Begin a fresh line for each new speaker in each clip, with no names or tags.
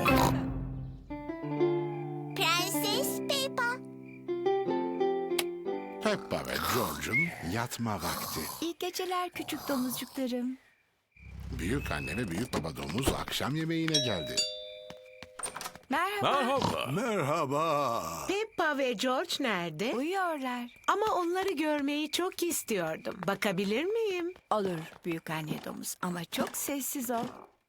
Prenses Peppa.
Peppa ve George'un yatma vakti.
İyi geceler küçük domuzcuklarım.
Büyük anne ve büyük baba domuz akşam yemeğine geldi.
Merhaba.
Merhaba.
Merhaba.
Peppa ve George nerede?
Uyuyorlar.
Ama onları görmeyi çok istiyordum. Bakabilir miyim?
Olur büyük anne domuz ama çok sessiz ol.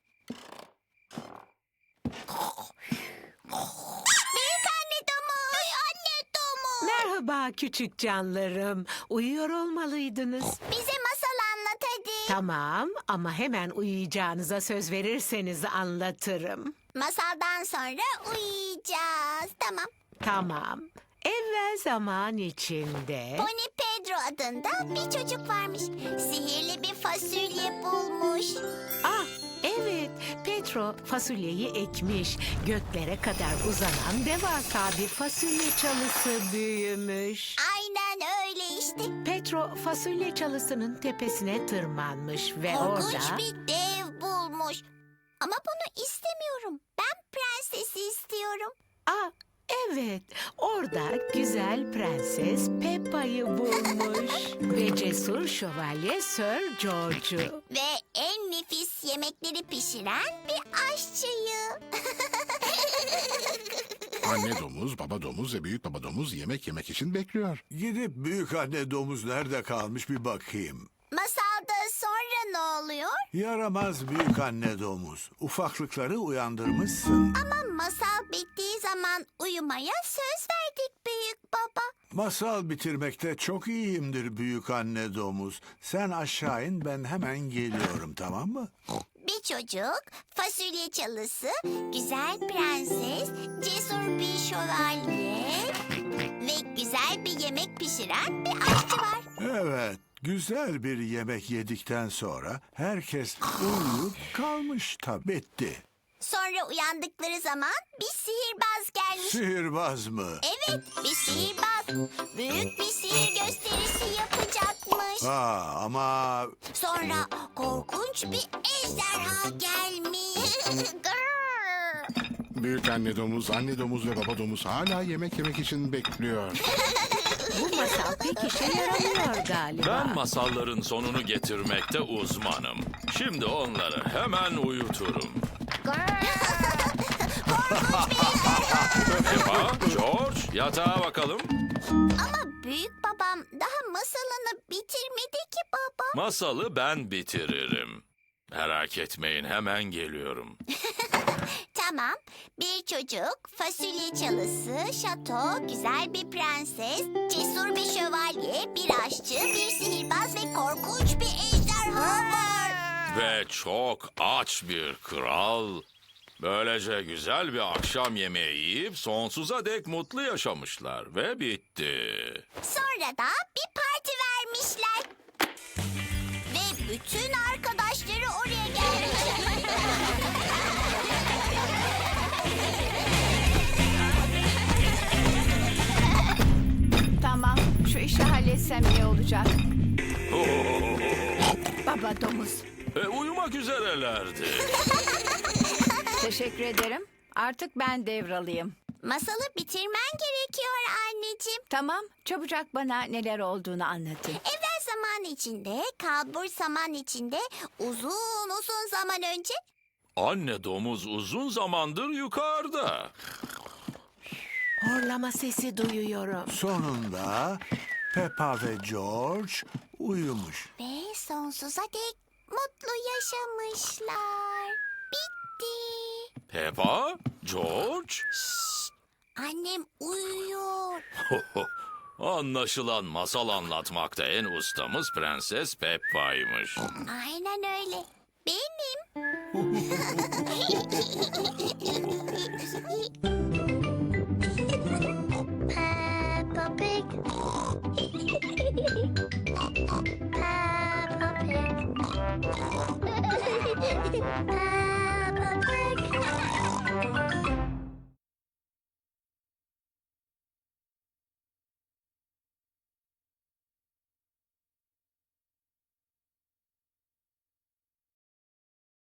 Büyük anne domuz. Anne domuz.
Merhaba küçük canlarım. Uyuyor olmalıydınız.
Bize masal anlat hadi.
Tamam ama hemen uyuyacağınıza söz verirseniz anlatırım.
Masaldan sonra uyuyacağız. Tamam.
Tamam. Evvel zaman içinde...
Pony Pedro adında bir çocuk varmış. Sihirli bir fasulye bulmuş.
Ah evet, Petro fasulyeyi ekmiş. Göklere kadar uzanan devasa bir fasulye çalısı büyümüş.
Aynen öyle işte.
Petro fasulye çalısının tepesine tırmanmış ve
Korkunç
orada...
bir dev bulmuş. Ama bunu istemiyorum. Ben prensesi istiyorum.
Ah evet, orada güzel prenses Peppa'yı bulmuş. Ve cesur şövalye Sir George'u.
Ve en nefis yemekleri pişiren bir aşçıyı.
Anne domuz, baba domuz ve büyük baba domuz yemek yemek için bekliyor.
Gidip büyük anne domuz nerede kalmış bir bakayım.
Masalda sonra ne oluyor?
Yaramaz büyük anne domuz. Ufaklıkları uyandırmışsın.
Ama masal bittiği zaman uyumaya söz verdik büyük baba.
Masal bitirmekte çok iyiyimdir büyük anne domuz. Sen aşağı in, ben hemen geliyorum, tamam mı?
Bir çocuk, fasulye çalısı, güzel prenses, cesur bir şövalye ve güzel bir yemek pişiren bir aşçı var.
Evet, güzel bir yemek yedikten sonra herkes uyuyup kalmış tabii. Bitti.
Sonra uyandıkları zaman bir sihirbaz gelmiş.
Sihirbaz mı?
Evet, bir sihirbaz. Büyük bir sihir gösterisi yapacakmış.
Ama
Sonra korkunç bir ejderha gelmiş. Grrr.
Büyük anne domuz ve baba domuz hala yemek yemek için bekliyor.
Bu masal pek işe yaramıyor galiba.
Ben masalların sonunu getirmekte uzmanım. Şimdi onları hemen uyuturum. Peppa, George, yatağa bakalım.
Ama büyük babam daha masalını bitirmedi ki baba.
Masalı ben bitiririm. Merak etmeyin, hemen geliyorum.
Tamam, bir çocuk, fasulye çalısı, şato, güzel bir prenses, cesur bir şövalye, bir aşçı, bir sihirbaz ve korkunç bir ejderha var.
Ve çok aç bir kral. Böylece güzel bir akşam yemeği yiyip sonsuza dek mutlu yaşamışlar ve bitti.
Sonra da bir parti vermişler. Ve bütün arkadaşları oraya gelmiş.
Tamam şu işi halletsem iyi olacak. Baba domuz.
Uyumak üzerelerdi.
Teşekkür ederim. Artık ben devralıyım.
Masalı bitirmen gerekiyor anneciğim.
Tamam çabucak bana neler olduğunu anlatın.
Evvel zaman içinde, kalbur zaman içinde, uzun zaman önce
Anne domuz uzun zamandır yukarıda.
Horlama sesi duyuyorum.
sonunda Peppa ve George uyumuş.
ve sonsuza dek mutlu yaşamışlar. Bitti.
Peppa, George.
Annem uyuyor.
Anlaşılan masal anlatmakta en ustamız Prenses Peppa'ymış.
Aynen öyle. Benim.